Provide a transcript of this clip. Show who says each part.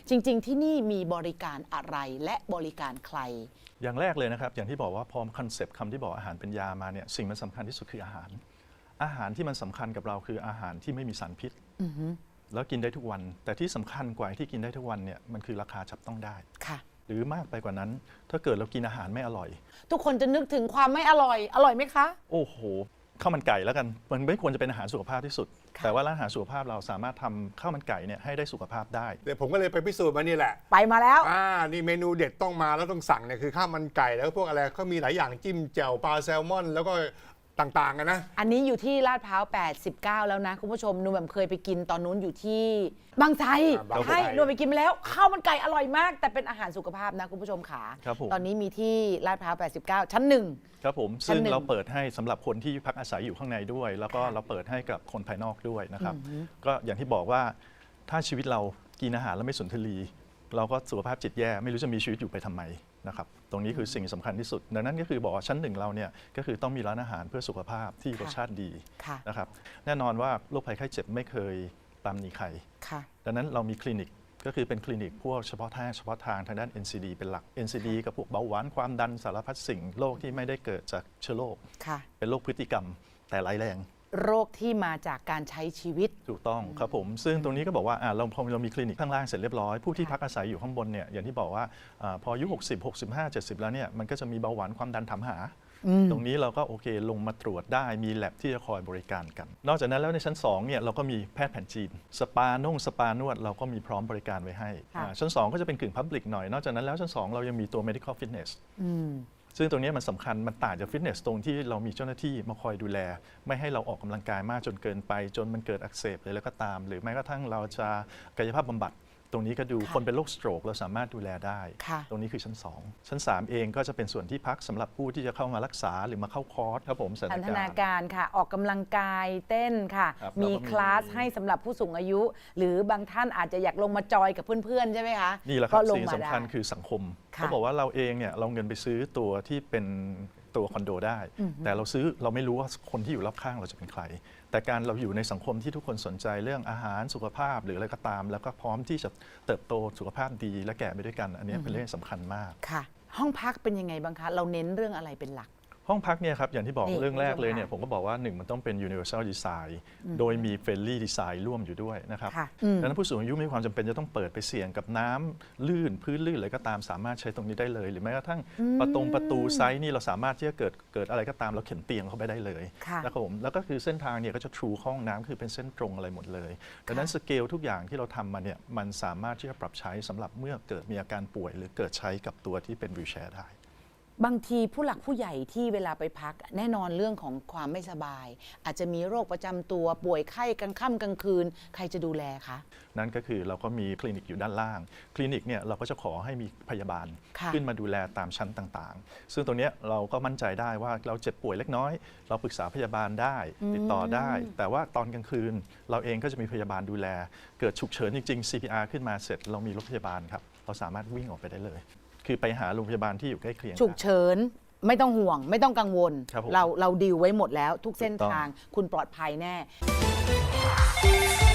Speaker 1: จริงๆที่นี่มีบริการอะไรและบริการใคร
Speaker 2: อย่างแรกเลยนะครับอย่างที่บอกว่าพอคอนเซปต์คำที่บอกอาหารเป็นยามาเนี่ยสิ่งมันสำคัญที่สุดคืออาหารที่มันสำคัญกับเราคืออาหารที่ไม่มีสารพิษแล้วกินได้ทุกวันแต่ที่สำคัญกว่าที่กินได้ทุกวันเนี่ยมันคือราคาจับต้องได้
Speaker 1: ค่ะ
Speaker 2: หรือมากไปกว่านั้นถ้าเกิดเรากินอาหารไม่อร่อย
Speaker 1: ทุกคนจะนึกถึงความไม่อร่อยไหมคะ
Speaker 2: โอ้โหข้าวมันไก่แล้วกันมันไม่ควรจะเป็นอาหารสุขภาพที่สุดแต่ว่าร้านอาหารสุขภาพเราสามารถทำข้าวมันไก่เนี่ยให้ได้สุขภาพได้
Speaker 3: เดี๋ยวผมก็เลยไปพิสูจน์มานี่แหละ
Speaker 1: ไปมาแล้ว
Speaker 3: นี่เมนูเด็ดต้องมาแล้วต้องสั่งเนี่ยคือข้าวมันไก่แล้วพวกอะไรก็มีหลายอย่างจิ้มแจ่วปลาแซลมอนแล้วก็ต่างๆกันนะ
Speaker 1: อันนี้อยู่ที่ลาดพร้าว89แล้วนะคุณผู้ชมนูแบบเคยไปกินตอนนู้นอยู่ที่บางไทรใช่นูไปกินมาแล้วข้าวมันไก่อร่อยมากแต่เป็นอาหารสุขภาพนะคุณผู้ชมขาตอนนี้มีที่ลาดพร้าว89ชั้น1
Speaker 2: ครับผมซึ่งเราเปิดให้สำหรับคนที่พักอาศัยอยู่ข้างในด้วยแล้วก็เราเปิดให้กับคนภายนอกด้วยนะครับก็อย่างที่บอกว่าถ้าชีวิตเรากินอาหารแล้วไม่สุนทรีเราก็สุขภาพจิตแย่ไม่รู้จะมีชีวิตอยู่ไปทำไมนะครับตรงนี้คือสิ่งสำคัญที่สุดดังนั้นก็คือบอกว่าชั้นหนึ่งเราเนี่ยก็คือต้องมีร้านอาหารเพื่อสุขภาพที่รสชาติดีนะครับแน่นอนว่าโรคภัยไข้เจ็บไม่เคยตามหนีใครดังนั้นเรามีคลินิกก็คือเป็นคลินิกพวกเฉพาะทางด้าน NCD เป็นหลัก NCD กับพวกเบาหวานความดันสารพัดสิ่งโรคที่ไม่ได้เกิดจากเชื้อโรคเป็นโรคพฤติกรรมแต่ร้ายแรง
Speaker 1: โรคที่มาจากการใช้ชีวิต
Speaker 2: ถูกต้องครับผมซึ่งตรงนี้ก็บอกว่าพอเรามีคลินิกข้างล่างเสร็จเรียบร้อยผู้ที่พักอาศัยอยู่ข้างบนเนี่ยอย่างที่บอกว่าพออายุ60 65 70แล้วเนี่ยมันก็จะมีเบาหวานความดันถามหาตรงนี้เราก็โอเคลงมาตรวจได้มีแลบที่จะคอยบริการกันนอกจากนั้นแล้วในชั้น2เนี่ยเราก็มีแพทย์แผนจีนสปานวดเราก็มีพร้อมบริการไว้ให้ชั้น2ก็จะเป็นกึ่งพับลิกหน่อยนอกจากนั้นแล้วชั้น2เรายังมีตัว medical fitnessซึ่งตรงนี้มันสำคัญมันต่างจากฟิตเนสตรงที่เรามีเจ้าหน้าที่มาคอยดูแลไม่ให้เราออกกำลังกายมากจนเกินไปจนมันเกิดอักเสบเลยแล้วก็ตามหรือแม้กระทั่งเราจะกายภาพบำบัดตรงนี้ก็ดูคนเป็นโรคสโตรกเราสามารถดูแลได้ตรงนี้คือชั้น2ชั้น3เองก็จะเป็นส่วนที่พักสำหรับผู้ที่จะเข้ามารักษาหรือมาเข้าคอร์สครับผม
Speaker 1: พัฒนาการค่ะออกกำลังกายเต้นค่ะมีคลาสให้สำหรับผู้สูงอายุ หรือบางท่านอาจจะอยากลงมาจอยกับเพื่อนๆใช่ไหมคะ
Speaker 2: นี่แหละครับสิ่งสำคัญคือสังคมเขาบอกว่าเราเองเนี่ยเราเงินไปซื้อตัวที่เป็นตัวคอนโดได้แต่เราไม่รู้ว่าคนที่อยู่รอบข้างเราจะเป็นใครแต่การเราอยู่ในสังคมที่ทุกคนสนใจเรื่องอาหารสุขภาพหรืออะไรก็ตามแล้วก็พร้อมที่จะเติบโตสุขภาพดีและแก่ไปด้วยกันอันนี้เป็นเรื่องสำคัญมาก
Speaker 1: ค่ะห้องพักเป็นยังไงบ้างคะเราเน้นเรื่องอะไรเป็นหลัก
Speaker 2: ห้องพักเนี่ยครับอย่างที่บอกเรื่องแรกเลยเนี่ยผมก็บอกว่า1มันต้องเป็น universal design โดยมี friendly design ร่วมอยู่ด้วยนะครับดังนั้นผู้สูงอายุมีความจำเป็นจะต้องเปิดไปเสี่ยงกับน้ำลื่นพื้นลื่นอะไรก็ตามสามารถใช้ตรงนี้ได้เลยหรือแม้กระทั่งประตูไซส์นี่เราสามารถที่จะเกิดอะไรก็ตามเราเข็นเตียงเข้าไปได้เลยนะครับผมแล้วก็คือเส้นทางเนี่ยก็จะทรูห้องน้ำคือเป็นเส้นตรงอะไรหมดเลยดังนั้นสเกลทุกอย่างที่เราทำมาเนี่ยมันสามารถที่จะปรับใช้สำหรับเมื่อเกิดมีอาการป่วยหรือเกิดใช้กับตัวที่เป็นวีลแชร์ได้
Speaker 1: บางทีผู้หลักผู้ใหญ่ที่เวลาไปพักแน่นอนเรื่องของความไม่สบายอาจจะมีโรคประจำตัวป่วยไข้กลางค่ำกลางคืนใครจะดูแลคะ
Speaker 2: นั่นก็คือเราก็มีคลินิกอยู่ด้านล่างคลินิกเนี่ยเราก็จะขอให้มีพยาบาลขึ้นมาดูแลตามชั้นต่างๆซึ่งตรงนี้เราก็มั่นใจได้ว่าเราเจ็บป่วยเล็กน้อยเราปรึกษาพยาบาลได้ติดต่อได้แต่ว่าตอนกลางคืนเราเองก็จะมีพยาบาลดูแลเกิดฉุกเฉินจริงๆ CPR ขึ้นมาเสร็จเรามีรถพยาบาลครับเราสามารถวิ่งออกไปได้เลยคือไปหาโรงพยาบาลที่อยู่ใกล้เคียง
Speaker 1: ฉุกเฉินไม่ต้องห่วงไม่ต้องกังวลเราดีลไว้หมดแล้วทุกเส้นทางคุณปลอดภัยแน่